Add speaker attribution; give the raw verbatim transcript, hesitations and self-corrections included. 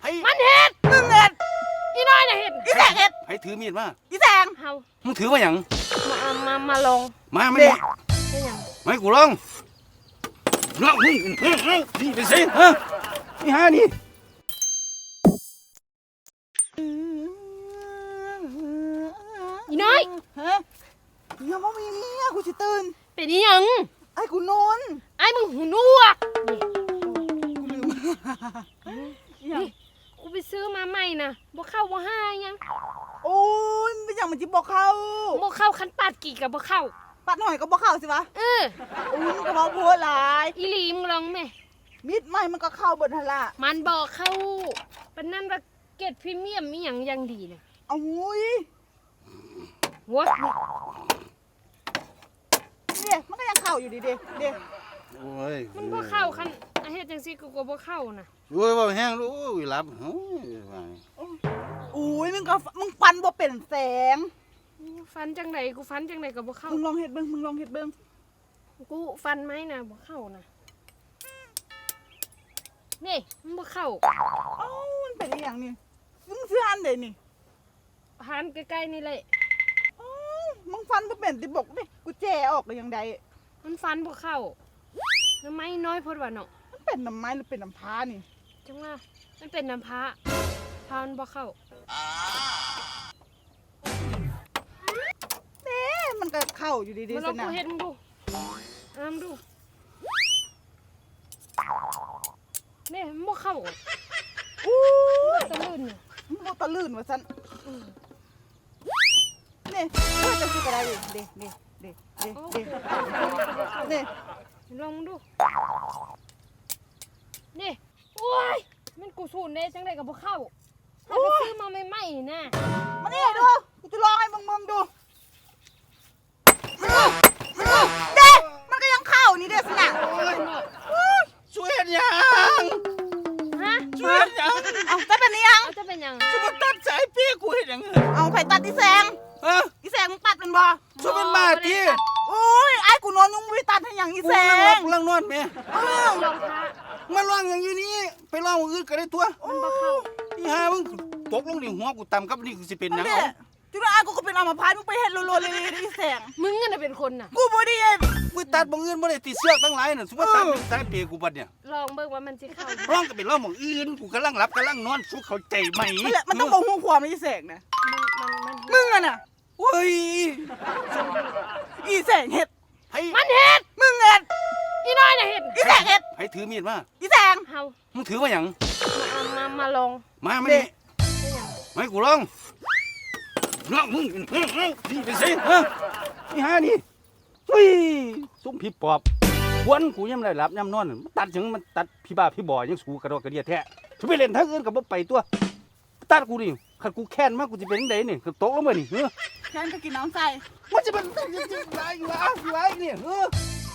Speaker 1: มันเห็ดมึงเห็ดอีน้อยน่ะเห็ดอีแสงเห็ด
Speaker 2: ไผถือมีดมา
Speaker 1: อีแสง
Speaker 3: เฮา
Speaker 2: มึงถือมาหยัง
Speaker 3: มามามาลง
Speaker 2: มาไม่
Speaker 3: ได้ยัง
Speaker 2: ไม่กูลองลองนี่นี่ไปสิฮะนี่ฮะนี่
Speaker 3: อีน้อย
Speaker 1: ฮะยังไม่มีเมียกูสิตื่น
Speaker 3: เป็นอีหยัง
Speaker 1: ไอ้กูนอน
Speaker 3: ไอ้มึงหูหนวกนี่กูไปซื้อมาใหม่นะบ่เข้าบ่ห้ายัง
Speaker 1: โอ้ยไม่อยากมันจิบอกเขา
Speaker 3: บ่เข้าคันปาดกี่กับบ่เข้า
Speaker 1: ปัดหน่อยก็บอกเขาสิวะ
Speaker 3: เออ
Speaker 1: โอ้ยมันก็บอกพูดหลาย
Speaker 3: อีหลีมึงลองแม่
Speaker 1: มิดไม่มันก็เข้าเบิดหั่นล่ะ
Speaker 3: มันบอกเข้าปานนั้นว่าเกรดพรีเมียมมีหยังยังดีน่ะ
Speaker 1: เอาอุ้ย
Speaker 3: วะ
Speaker 1: เนี่ยมันก็ยังเข้าอยู่ดีเด้เด้
Speaker 2: โอ้ย
Speaker 3: มันบ่เข้าคันเฮ็ดจังซี่กูก็บ่เข้าน่ะ
Speaker 2: โอ้ยบ่แห้งโอ้ยหลับโอ้ย
Speaker 1: อุ้ยมึงก็มึงฟันบ่เป็นแสง
Speaker 3: ฟันจังไดกูฟันจังไดก็บ่เข้า
Speaker 1: มึงลองเฮ็ดเบิ่งมึงลองเฮ็ดเบิ่ง
Speaker 3: กูฟันไหมน่ะบ่เข้าน่ะนี่มันบ่เข้า
Speaker 1: เอ้ามันเป็นอีหยังนี่มึงซื้ออันใดนี่
Speaker 3: หันใกล้ๆนี่แหละ
Speaker 1: อ๋อมึงฟันบ่เป็นติบอกดิกูแจออกได้ยังได
Speaker 3: มันฟันบ่เข้าน้ำไม้น้อยพดว่าเนาะ
Speaker 1: มันเป็นน้ำไม้หรือเป็นน้ำพานี่
Speaker 3: จังว่ามันเป็นน้ำพาพามันบ่เข้า
Speaker 1: เด้มันก็เข้าอยู่ดีๆ
Speaker 3: มาลองกูเฮ็ดมึงดูอ่ามึงดูนี่มันบ่เข้า
Speaker 1: อู้
Speaker 3: ตะลื่น
Speaker 1: มันบ่ตะลื่นว่าซั่นนี่เพื่อจะสิก็ได้ดิเด้เด้เด้เด้เด้นี่
Speaker 3: ลองมึงดูนี่โอ้ยมันกูสูนเด้จังไดก็บ่เข้าถ้าไปซื้อมาใหม่ๆน่ะ
Speaker 1: มานี่ดูกูจะลองให้มึงมึงดูเด้มันก็ยังเข้านี่เด้สินะ
Speaker 2: ช่วยเฮ็ดหยัง
Speaker 3: ฮะ
Speaker 2: ช่วยเฮ็ดหยัง
Speaker 1: เอาจะเป็นยัง
Speaker 3: เอาจะเป็นยัง
Speaker 2: คือมันตัดสายเปียกูเฮ็ดหยัง
Speaker 1: เอาไผตัดอีแสง
Speaker 2: ฮะ
Speaker 1: อีแสงมึงตัดมันบ่
Speaker 2: ช่วยมันมาติ
Speaker 1: โอ้ยไอ้กูนอนยุงไม่ตัดให้หยังอีแสง
Speaker 2: กูลังนอนแม่
Speaker 1: เออ
Speaker 3: ลองพา
Speaker 2: มาลองอย่างอยู่นี่ไปลองอื่นก็ได้ตัว
Speaker 3: มันบ่เข้า
Speaker 2: อีห่ามึงตกลงนี่หัวกูต่ำกับนี่คือสิเป็นหยัง
Speaker 1: เอาจุดนั้นไอ้กูก็เป็นอัมพาตมึงไปเฮ็ดโลๆเลยอีแสง
Speaker 3: มึงน่ะเป็นคนน่ะ
Speaker 1: กูบ่ได้เฮ็ด
Speaker 2: กูตัดบ่อื่นบ่ได้ติดเสือกทั้งหลายน่ะสมมุติตัดสายเปียกูบัดเนี่ย
Speaker 3: ลองเบิ่งว่ามันสิเข้า
Speaker 2: ร้องก็เป็นร้องหม่องอื่นกูกำลังหลับกำลังนอนสุขเข้าใจไหม
Speaker 1: มันต้องบ่ฮู้ความอีแสงนะ
Speaker 3: มันมันมัน
Speaker 1: มึงอ่ะน่ะ
Speaker 2: โอ้ย
Speaker 1: อีแสงเฮ็ด
Speaker 3: มันเห็ด
Speaker 1: มึงเฮ็ด
Speaker 3: อีน้อยน่ะเห็ด
Speaker 1: อีแสงเฮ็ด
Speaker 2: ไผถือมีดมา
Speaker 1: อีแสง
Speaker 3: เฮา
Speaker 2: มึงถือมาหยัง
Speaker 3: มามามาลอง
Speaker 2: มาไม่ได้ไม่กูลองลองมึงนี่ไปสิฮะนี่ฮะนี่เฮ้ยซุ้มผีปอบควนกูยังได้หลับยามนอนตัดถึงมันตัดพี่บ้าพี่บ่อยังสูกระดอกกระเดียแท้ถ้าไปเล่นทางอื่นก็บ่ไปตัวตัดกูนี่คันกูแค้นมากกูจะเป็นจังไดนี่ตกลงมานี่เฮ้อ
Speaker 1: แค้นก็กินน้ำใส่
Speaker 2: มันจะเป็นจังได๋อยู่อ่ะอยู่ไอ้นี่เฮ้อ